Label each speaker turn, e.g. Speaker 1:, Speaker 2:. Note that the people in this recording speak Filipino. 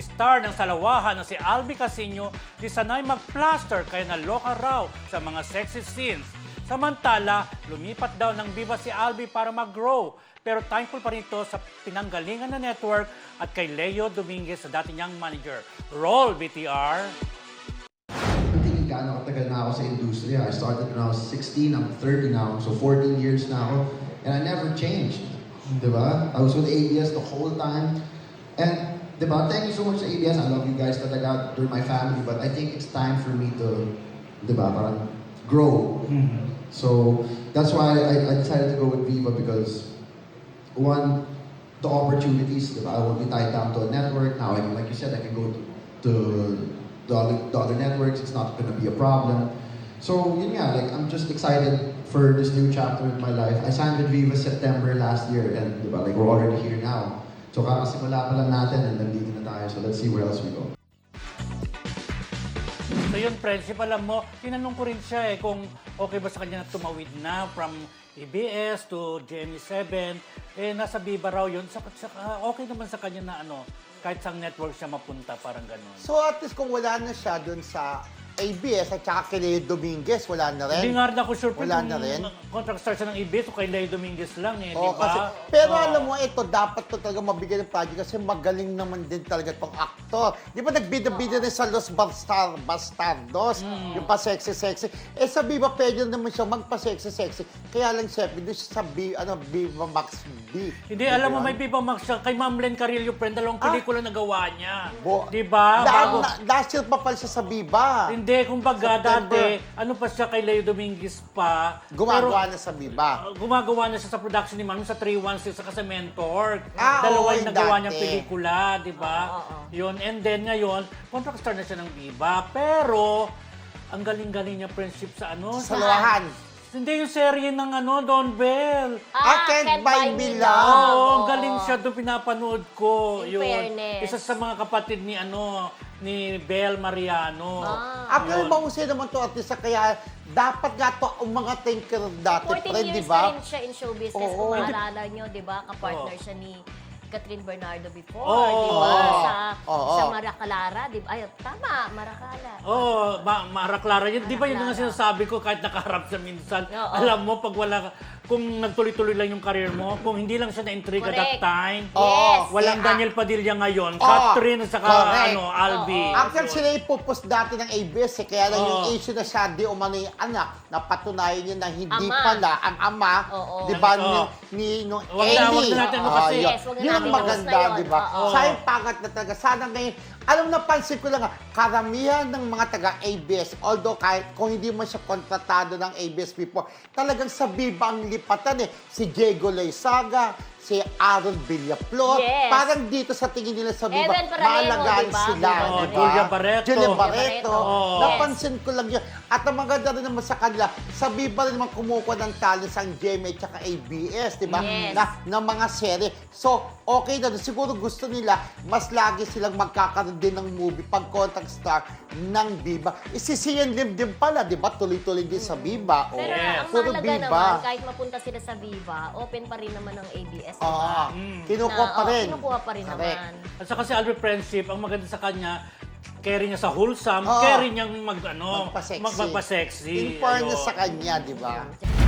Speaker 1: Star ng Salawahan na si Albi Casino di sanay mag-plaster kaya naloka raw sa mga sexy scenes. Samantala, lumipat daw ng Viva si Albi para mag-grow. Pero thankful pa rin ito sa pinanggalingan na network at kay Leo Dominguez sa dati niyang manager. Roll, BTR!
Speaker 2: Hindi gaano katagal na ako sa industriya. I started when I was 16, I'm 30 now, so 14 years na ako. And I never changed, di ba? I was with ABS the whole time. And, di ba, thank you so much sa ABS. I love you guys talaga. You're my family. But I think it's time for me to, di ba, parang grow. So, that's why I decided to go with Viva because, one, the opportunities, diba? I won't be tied down to a network. Now, like you said, I can go to the other networks. It's not going to be a problem. So, yun nga, like, I'm just excited for this new chapter in my life. I signed with Viva September last year and, diba, like, we're already here now. So, kakasimula pa lang natin and nandito na tayo. So, let's see where else we go.
Speaker 1: So yun, friendship, alam mo, tinanong ko rin siya kung okay ba sa kanya na tumawid na from ABS to GMA7. Nasa Viva raw yun. Okay naman sa kanya na kahit sa network siya mapunta, parang ganun.
Speaker 3: So at least kung wala na siya dun sa ABS at saka kay Leo Dominguez, wala na rin.
Speaker 1: Hindi nga rin ako sure
Speaker 3: Wala na rin.
Speaker 1: Contract star siya ng ABS o kay Leo Dominguez lang di
Speaker 3: Oo,
Speaker 1: ba?
Speaker 3: pero alam mo, ito, dapat to talaga mabigyan ng project kasi magaling naman din talaga itong aktor. Di ba nagbida-bida rin sa Los Bastardos, yung pa-sexy-sexy. Sa Viva, pwede naman siya magpa-sexy-sexy. Kaya lang, syempre, doon siya sa Viva Max B.
Speaker 1: Hindi, alam mo, may Viva Max siya. Kay Ma'am Len Carillo, friend, dalawang pelikula na gawa niya. Di ba?
Speaker 3: Last year pa pala siya sa Viva.
Speaker 1: Hindi, kumbaga
Speaker 3: September.
Speaker 1: dati, pa siya kay Leo Dominguez pa.
Speaker 3: Gumagawa na sa Viva.
Speaker 1: Gumagawa na siya sa production ni Manu sa 316 sa sa Mentor.
Speaker 3: Ah,
Speaker 1: Dalawa
Speaker 3: oo,
Speaker 1: yung nagawa
Speaker 3: dati.
Speaker 1: niyang pelikula, di ba? Yun. And then ngayon, contract star na siya ng Viva. Pero, ang galing-galing niya friendship sa
Speaker 3: Sa Salawahan.
Speaker 1: Hindi yung serye ng Don Bell.
Speaker 3: Can't buy me love.
Speaker 1: Oo, ang galing siya doon pinapanood ko.
Speaker 4: In fairness.
Speaker 1: Isa sa mga kapatid ni ni Bel Mariano.
Speaker 3: Pero mahusay naman to artista, kaya dapat nga to umangat yung career dati,
Speaker 4: 14
Speaker 3: friend, di
Speaker 4: years
Speaker 3: ba?
Speaker 4: na rin siya in show business.
Speaker 3: Oo.
Speaker 4: Kung maalala nyo, di ba? Kapartner siya ni Catherine Bernardo before,
Speaker 1: Oo.
Speaker 4: di ba?
Speaker 3: Oo.
Speaker 4: Sa Maraclara, di ba? Ay, tama, Maracala.
Speaker 1: Oo, Mara Clara. Di ba yun
Speaker 4: Clara.
Speaker 1: ang sinasabi ko kahit nakaharap siya minsan?
Speaker 4: Oo.
Speaker 1: Alam mo, pag kung nagtuloy-tuloy lang yung career mo, kung hindi lang siya na-intriga that
Speaker 4: Correct.
Speaker 1: time,
Speaker 4: Yes.
Speaker 1: walang Daniel Padilla ngayon, Catherine at saka
Speaker 3: Correct.
Speaker 1: Albi.
Speaker 3: Actually, sila ipupus dati ng ABS, kaya lang yung
Speaker 1: Oo.
Speaker 3: issue na siya, di umano yung anak, napatunayan niya na hindi
Speaker 4: Ama.
Speaker 3: pala ang ama,
Speaker 4: Oo.
Speaker 3: di ba,
Speaker 1: Oo.
Speaker 3: ni
Speaker 1: Wag na natin kasi.
Speaker 3: yun.
Speaker 4: Yes, wag na
Speaker 3: Yun ang
Speaker 4: natin
Speaker 3: maganda,
Speaker 4: tapos na yun.
Speaker 3: di ba?
Speaker 4: Oo.
Speaker 3: Sa yung pangat na talaga, sana ngayon, alam na, pansin ko lang, karamihan ng mga taga-ABS, although kahit kung hindi man siya kontratado ng ABS before, talagang sa Viva ang lipatan Si Diego Loizaga, si Aaron Villaflor,
Speaker 4: Yes.
Speaker 3: parang dito sa tingin nila sa Viva,
Speaker 4: Evan Paranero,
Speaker 3: maalagaan
Speaker 4: diba?
Speaker 3: sila.
Speaker 4: Oo,
Speaker 3: diba?
Speaker 1: Julia Barreto.
Speaker 3: Julia
Speaker 4: Julia
Speaker 3: Barreto.
Speaker 4: Barreto.
Speaker 1: Oo.
Speaker 3: Napansin ko lang yun. At ang maganda rin naman sa kanila, sa Viva rin naman kumukuha ng talents ang GMA at ABS, di ba?
Speaker 4: Yes.
Speaker 3: Na mga serye. So, okay na. Siguro gusto nila, mas lagi silang magkakaroon din ng movie pag contact star ng Viva. Si Sian Lim din pala, di ba? Tuloy-tuloy din sa Viva.
Speaker 4: Pero
Speaker 1: Yes.
Speaker 4: ang
Speaker 3: Puro
Speaker 4: mahalaga
Speaker 3: Viva.
Speaker 4: naman, kahit mapunta sila sa Viva, open pa rin naman ang ABS, di ba?
Speaker 3: Kinukuha pa rin.
Speaker 4: Kinukuha pa rin
Speaker 3: Correct.
Speaker 4: naman.
Speaker 1: At saka si Albi Friendship, ang maganda sa kanya, carry niya sa wholesome,
Speaker 3: Oo.
Speaker 1: carry niyang
Speaker 3: Magpa-sexy.
Speaker 1: magpasexy.
Speaker 3: In fairness
Speaker 1: Ayun.
Speaker 3: sa kanya, di ba?